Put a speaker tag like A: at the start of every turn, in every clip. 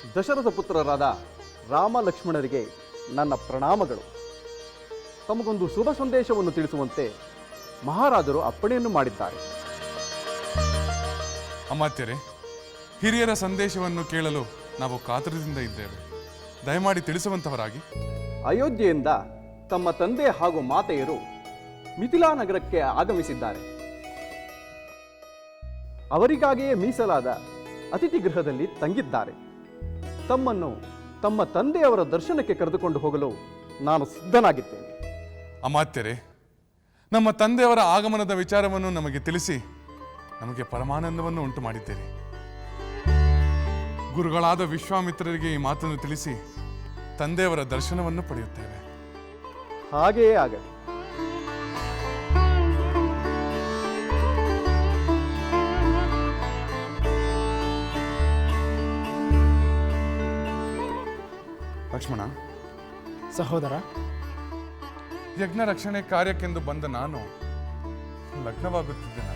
A: ದಶರಥ ಪುತ್ರರಾದ ರಾಮ ಲಕ್ಷ್ಮಣರಿಗೆ ನನ್ನ ಪ್ರಣಾಮಗಳು. ತಮಗೊಂದು ಶುಭ ಸಂದೇಶವನ್ನು ತಿಳಿಸುವಂತೆ ಮಹಾರಾಜರು ಅಪ್ಪಣೆಯನ್ನು ಮಾಡಿದ್ದಾರೆ.
B: ಅಮಾತ್ಯರೇ, ಹಿರಿಯರ ಸಂದೇಶವನ್ನು ಕೇಳಲು ನಾವು ಕಾತರದಿಂದ ಇದ್ದೇವೆ. ದಯಮಾಡಿ ತಿಳಿಸುವಂತವರಾಗಿ.
A: ಅಯೋಧ್ಯೆಯಿಂದ ತಮ್ಮ ತಂದೆ ಹಾಗೂ ಮಾತೆಯರು ಮಿಥಿಲಾ ನಗರಕ್ಕೆ ಆಗಮಿಸಿದ್ದಾರೆ. ಅವರಿಗಾಗಿಯೇ ಮೀಸಲಾದ ಅತಿಥಿ ಗೃಹದಲ್ಲಿ ತಂಗಿದ್ದಾರೆ. ತಮ್ಮನ್ನು ತಮ್ಮ ತಂದೆಯವರ ದರ್ಶನಕ್ಕೆ ಕರೆದುಕೊಂಡು ಹೋಗಲು ನಾನು ಸಿದ್ಧನಾಗಿದ್ದೇನೆ.
B: ಅಮಾತ್ಯರೇ, ನಮ್ಮ ತಂದೆಯವರ ಆಗಮನದ ವಿಚಾರವನ್ನು ನಮಗೆ ತಿಳಿಸಿ ನಮಗೆ ಪರಮಾನಂದವನ್ನು ಉಂಟು ಮಾಡಿದ್ದೀರಿ. ಗುರುಗಳಾದ ವಿಶ್ವಾಮಿತ್ರರಿಗೆ ಈ ಮಾತನ್ನು ತಿಳಿಸಿ ತಂದೆಯವರ ದರ್ಶನವನ್ನು ಪಡೆಯುತ್ತೇವೆ.
A: ಹಾಗೆಯೇ ಆಗಲಿ.
B: ಲಕ್ಷ್ಮಣ
C: ಸಹೋದರ,
B: ಯಜ್ಞ ರಕ್ಷಣೆ ಕಾರ್ಯಕ್ಕೆಂದು ಬಂದ ನಾನು ಲಗ್ನವಾಗುತ್ತಿದ್ದೇನಲ್ಲ,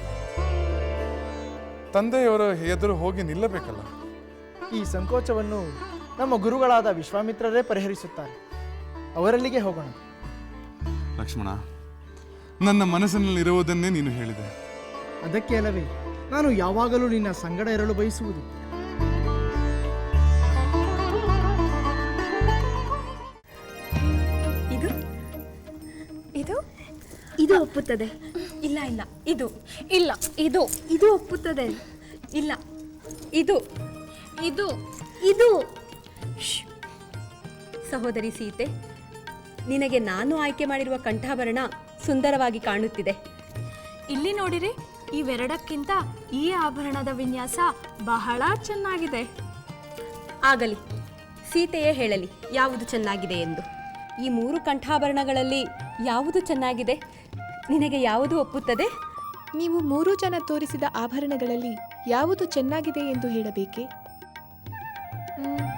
B: ತಂದೆಯವರ ಎದುರು ಹೋಗಿ ನಿಲ್ಲಬೇಕಲ್ಲ.
C: ಈ ಸಂಕೋಚವನ್ನು ನಮ್ಮ ಗುರುಗಳಾದ ವಿಶ್ವಾಮಿತ್ರರೇ ಪರಿಹರಿಸುತ್ತಾರೆ. ಅವರಲ್ಲಿಗೆ ಹೋಗೋಣ.
B: ಲಕ್ಷ್ಮಣ, ನನ್ನ ಮನಸ್ಸಿನಲ್ಲಿರುವುದನ್ನೇ ನೀನು ಹೇಳಿದೆ.
C: ಅದಕ್ಕೆ ಅಲ್ಲವೇ ನಾನು ಯಾವಾಗಲೂ ನಿನ್ನ ಸಂಗಡ ಇರಲು ಬಯಸುವುದು.
D: ಇದು ಇದು ಇದು ಒಪ್ಪುತ್ತದೆ. ಇಲ್ಲ ಇಲ್ಲ, ಇದು ಇಲ್ಲ, ಇದು ಇದು ಒಪ್ಪುತ್ತದೆ. ಇಲ್ಲ, ಇದು ಇದು ಇದು ಸಹೋದರಿ ಸೀತೆ, ನಿನಗೆ ನಾನು ಆಯ್ಕೆ ಮಾಡಿರುವ ಕಂಠಾಭರಣ ಸುಂದರವಾಗಿ ಕಾಣುತ್ತಿದೆ.
E: ಇಲ್ಲಿ ನೋಡಿರಿ, ಇವೆರಡಕ್ಕಿಂತ ಈ ಆಭರಣದ ವಿನ್ಯಾಸ ಬಹಳ ಚೆನ್ನಾಗಿದೆ.
D: ಆಗಲಿ, ಸೀತೆಯೇ ಹೇಳಲಿ ಯಾವುದು ಚೆನ್ನಾಗಿದೆ ಎಂದು. ಈ 3 ಕಂಠಾಭರಣಗಳಲ್ಲಿ ಯಾವುದು ಚೆನ್ನಾಗಿದೆ? ನಿನಗೆ ಯಾವುದು ಒಪ್ಪುತ್ತದೆ?
F: ನೀವು 3 ಜನ ತೋರಿಸಿದ ಆಭರಣಗಳಲ್ಲಿ ಯಾವುದು ಚೆನ್ನಾಗಿದೆ ಎಂದು ಹೇಳಬೇಕೆ?